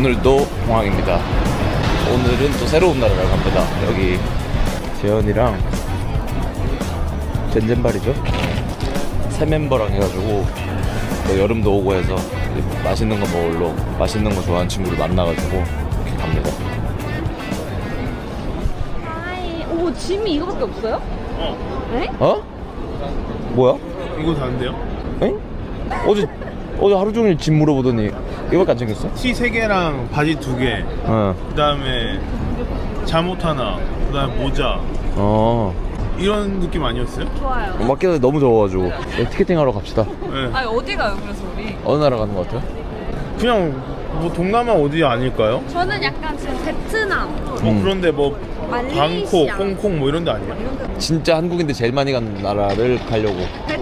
오늘도 공항입니다. 오늘은 또 새로운 나라를 갑니다. 여기 재현이랑 젠젠발이죠? 새 멤버랑 해가지고 또 여름도 오고 해서 맛있는 거 먹으러 맛있는 거 좋아하는 친구를 만나가지고 이렇게 갑니다. 오, 짐이 이거밖에 없어요? 네? 어? 뭐야? 이거 다른데요? 엥? 어제 하루 종일 짐 물어보더니 이거밖에 안 챙겼어? 티 3개랑 바지 2개, 어. 그 다음에 잠옷 하나, 그 다음에 모자, 이런 느낌 아니었어요? 좋아요. 맞기도 너무 더워가지고 티켓팅 하러 갑시다. 네. 아니, 어디 가요, 그래서 우리? 어느 나라 가는 거 같아요? 그냥 뭐 동남아 어디 아닐까요? 저는 약간 지금 베트남. 그런데 뭐 방콕, 말레이시아. 홍콩 뭐 이런 데 아니에요? 진짜 한국인들 제일 많이 가는 나라를 가려고.